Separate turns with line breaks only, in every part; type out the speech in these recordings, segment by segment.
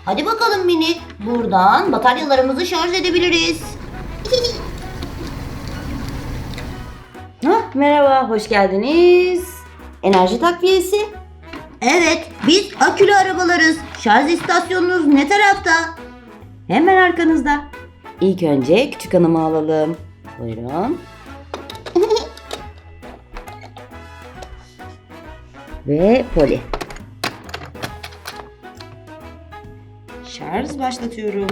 Hadi bakalım Mini. Buradan bataryalarımızı şarj edebiliriz.
Merhaba, hoş geldiniz. Enerji takviyesi.
Evet, biz akülü arabalarız. Şarj istasyonunuz ne tarafta?
Hemen arkanızda. İlk önce küçük hanımı alalım. Buyurun. Ve Poli. Şarj başlatıyorum.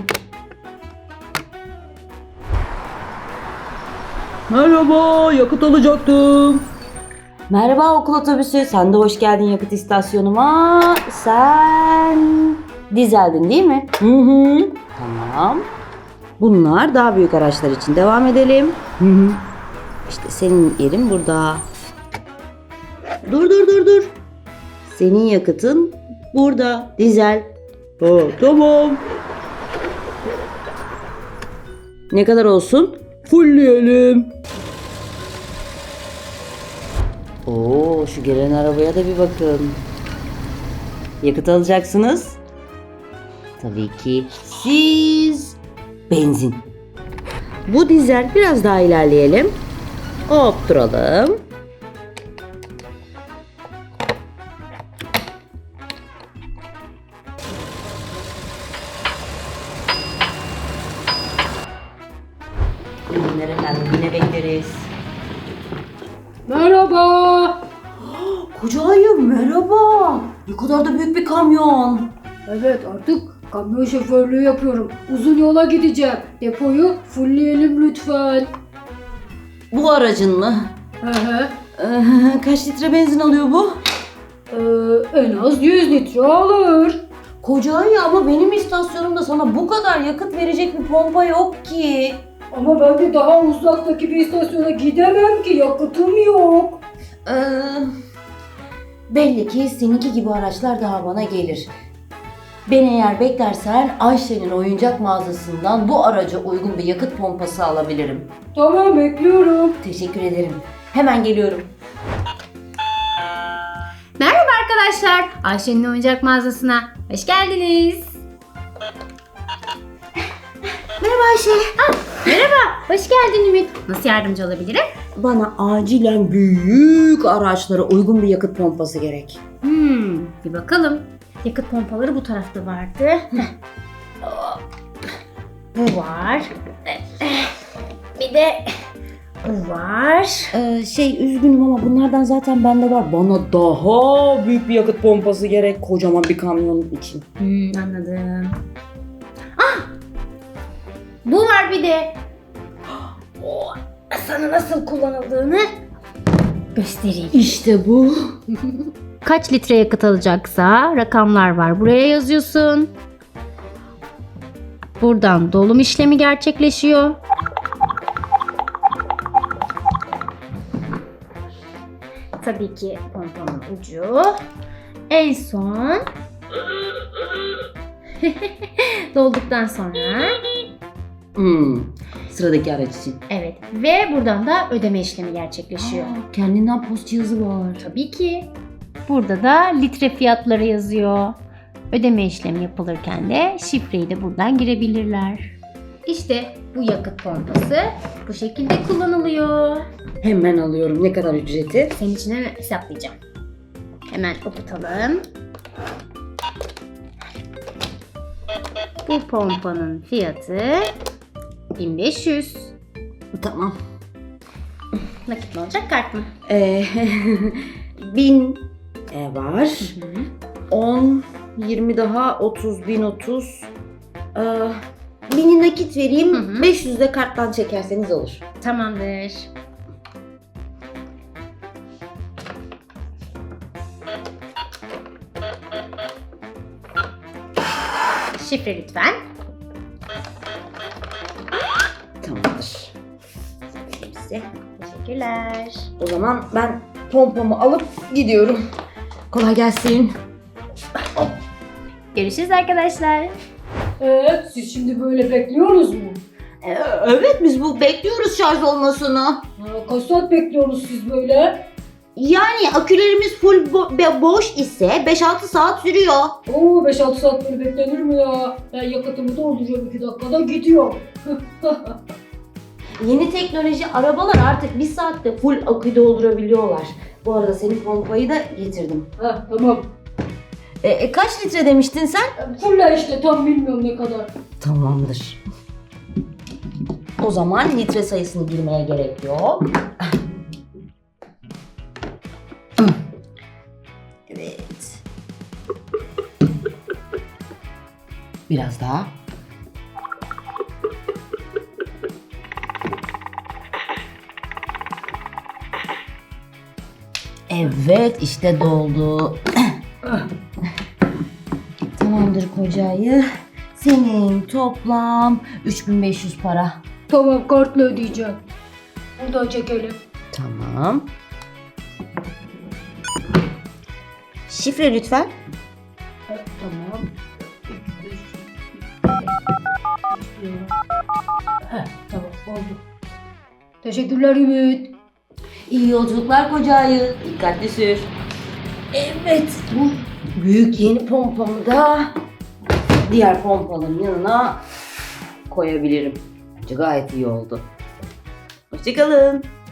Merhaba, yakıt alacaktım.
Merhaba okul otobüsü. Sen de hoş geldin yakıt istasyonuma. Sen dizeldin değil mi?
Hı hı.
Tamam. Bunlar daha büyük araçlar için. Devam edelim.
Hı hı.
İşte senin yerin burada. Dur. Senin yakıtın burada. Dizel.
Ha, tamam.
Ne kadar olsun?
Fullleyelim.
Oo, şu gelen arabaya da bir bakın. Yakıt alacaksınız. Tabii ki siz benzin. Bu dizel, biraz daha ilerleyelim. Hop duralım. Ürünler efendim, yine bekleriz.
Merhaba.
Koca ayı merhaba. Ne kadar da büyük bir kamyon.
Evet, artık kamyon şoförlüğü yapıyorum. Uzun yola gideceğim. Depoyu fullleyelim lütfen.
Bu aracın mı?
Hı hı.
Kaç litre benzin alıyor bu?
En az 100 litre alır.
Koca ayı ama benim istasyonumda sana bu kadar yakıt verecek bir pompa yok ki.
Ama ben de daha uzaktaki bir istasyona gidemem ki, yakıtım yok.
Belli ki seninki gibi araçlar daha bana gelir. Beni eğer beklersen Ayşe'nin oyuncak mağazasından bu araca uygun bir yakıt pompası alabilirim.
Tamam, bekliyorum.
Teşekkür ederim. Hemen geliyorum.
Merhaba arkadaşlar, Ayşe'nin oyuncak mağazasına hoş geldiniz.
Merhaba Ayşe.
Merhaba, hoş geldin Ümit. Nasıl yardımcı olabilirim?
Bana acilen büyük araçlara uygun bir yakıt pompası gerek.
Bir bakalım. Yakıt pompaları bu tarafta vardı. Bu var. Bir de bu var.
Üzgünüm ama bunlardan zaten bende var. Bana daha büyük bir yakıt pompası gerek kocaman bir kamyon için.
Anladım. Bu var bir de. Sana nasıl kullanıldığını göstereyim.
İşte bu.
Kaç litre yakıt alacaksa rakamlar var. Buraya yazıyorsun. Buradan dolum işlemi gerçekleşiyor. Tabii ki pompanın ucu. En son dolduktan sonra
Sıradaki araç için.
evet ve buradan da ödeme işlemi gerçekleşiyor.
Kendinden post cihazı var.
Tabii ki. Burada da litre fiyatları yazıyor. Ödeme işlemi yapılırken de şifreyi de buradan girebilirler. İşte bu yakıt pompası bu şekilde kullanılıyor.
Hemen alıyorum. Ne kadar ücreti?
Senin için hemen hesaplayacağım. Hemen okutalım. Bu pompanın fiyatı 1500.
Tamam.
Nakit mi olacak, kart mı?
1000 var. 10, 20 daha 30, 1030. 1000'i nakit vereyim. 500 de karttan çekerseniz olur.
Tamamdır. Şifre lütfen.
Tamamdır. Size.
Teşekkürler.
O zaman ben pompamı alıp gidiyorum. Kolay gelsin.
Görüşürüz arkadaşlar.
Siz şimdi böyle bekliyorsunuz mu?
Evet, biz bu bekliyoruz şarj olmasını.
Kaç saat bekliyorsunuz siz böyle?
Yani akülerimiz full boş ise 5-6 saat sürüyor.
Oo 5-6 saat böyle beklenir mi ya? Ben yakıtımı dolduruyorum 2 dakikada gidiyor.
Yeni teknoloji arabalar artık 1 saatte full akü doldurabiliyorlar. Bu arada senin pompayı da getirdim.
Ha tamam.
Kaç litre demiştin sen?
Fulla işte tam bilmiyorum ne kadar.
Tamamdır. O zaman litre sayısını girmeye gerek yok. Evet. Biraz daha. Evet, işte doldu. Tamamdır kocayı. Senin toplam 3500 para.
Tamam kartla ödeyeceğim. Buradan çekelim.
Tamam. Şifre lütfen.
Tamam. Tamam oldu. Teşekkürler Ümit.
İyi yolculuklar kocayı. Dikkatli sür. Evet, bu büyük yeni pompamı da diğer pompaların yanına koyabilirim. Bence gayet iyi oldu. Hoşçakalın.